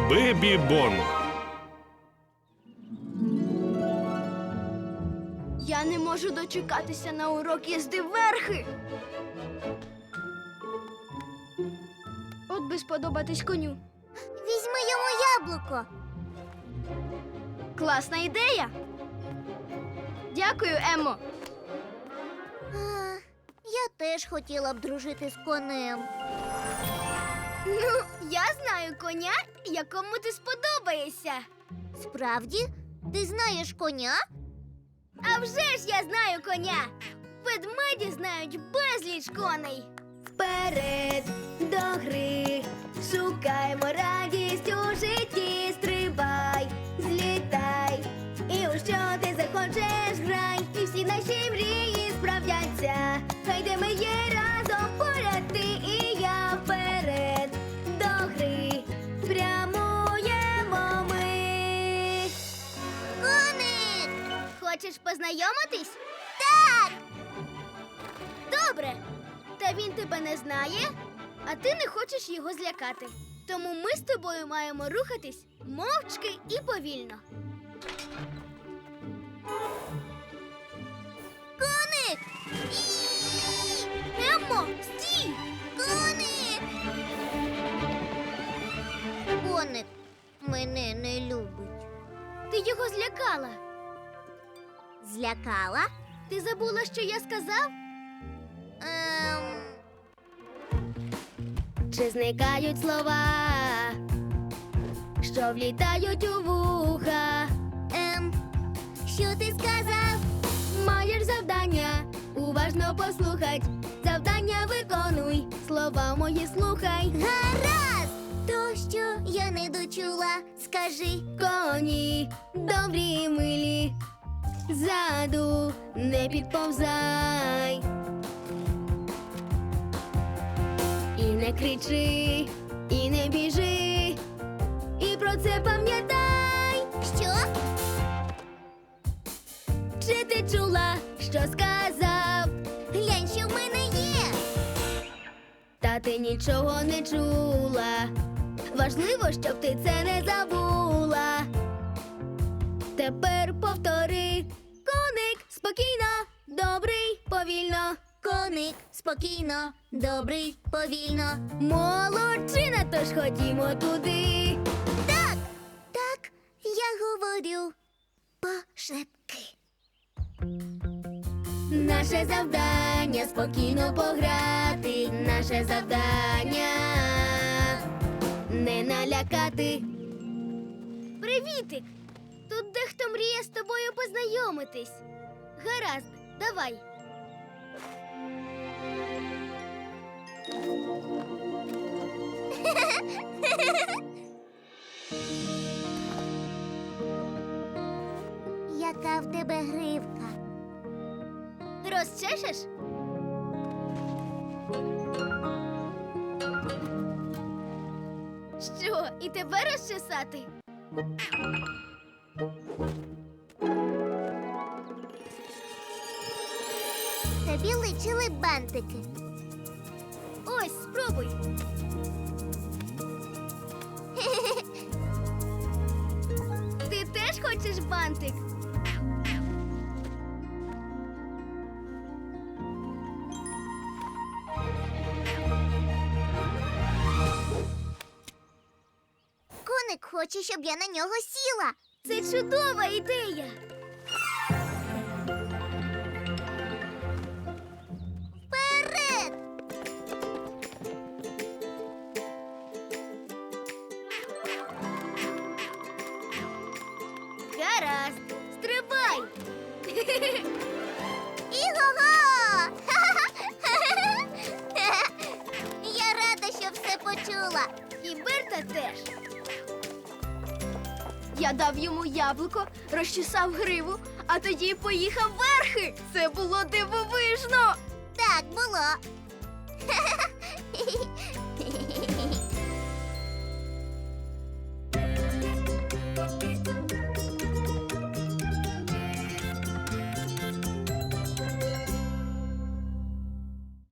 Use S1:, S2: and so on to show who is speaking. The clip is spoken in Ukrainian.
S1: Бебі Бон.
S2: Я не можу дочекатися на урок їзди верхи. От би сподобатись коню.
S3: Візьми йому яблуко.
S2: Класна ідея. Дякую, Еммо.
S3: Я теж хотіла б дружити з конем.
S2: Ну, я знаю коня, якому ти сподобаєшся.
S3: Справді? Ти знаєш коня?
S2: А вже ж я знаю коня. Ведмеді знають безліч коней. Вперед до гри, шукаймо радість у житті, стрибай, злітай, і у що ти захочеш грай, і всі наші мрії справдяться. Хай де ми є разом поряд ти і я, вперед до гри, прямуємо ми.
S3: Коник!
S2: Хочеш познайомитись?
S3: Так!
S2: Добре. Та він тебе не знає, а ти не хочеш його злякати. Тому ми з тобою маємо рухатись мовчки і повільно.
S3: Коник!
S2: Еммо, стій!
S3: Коник! Коник мене не любить.
S2: Ти його злякала.
S3: Злякала?
S2: Ти забула, що я сказав? Чи зникають слова, що влітають у вуха?
S3: Що ти сказав?
S2: Маєш завдання, уважно послухать. Завдання виконуй, слова мої слухай.
S3: Гаразд! То, що я не дочула, скажи.
S2: Коні добрі й милі, ззаду не підповзай. І не кричи, і не біжи, і про це пам'ятай.
S3: Що?
S2: Чи ти чула, що сказав?
S3: Глянь, що в мене є.
S2: Та ти нічого не чула. Важливо, щоб ти це не забула. Тепер повтори. Коник спокійно, добрий, повільно.
S3: Коник спокійно, добрий, повільно.
S2: Молодчина, тож ходімо туди.
S3: Так, так, я говорю пошепки.
S2: Наше завдання спокійно пограти. Наше завдання не налякати. Привітик! Тут дехто мріє з тобою познайомитись. Гаразд, давай.
S3: Яка в тебе гривка?
S2: Розчешеш? Що, і тебе розчесати?
S3: Тобі личили бантики.
S2: Ось, спробуй. Ти теж хочеш бантик?
S3: Коник хоче, щоб я на нього сіла.
S2: Це чудова ідея.
S3: Вперед!
S2: Гаразд, стрибай.
S3: Іго-го! Я рада, що все почула.
S2: І Берта теж. Я дав йому яблуко, розчесав гриву, а тоді поїхав верхи. Це було дивовижно.
S3: Так було.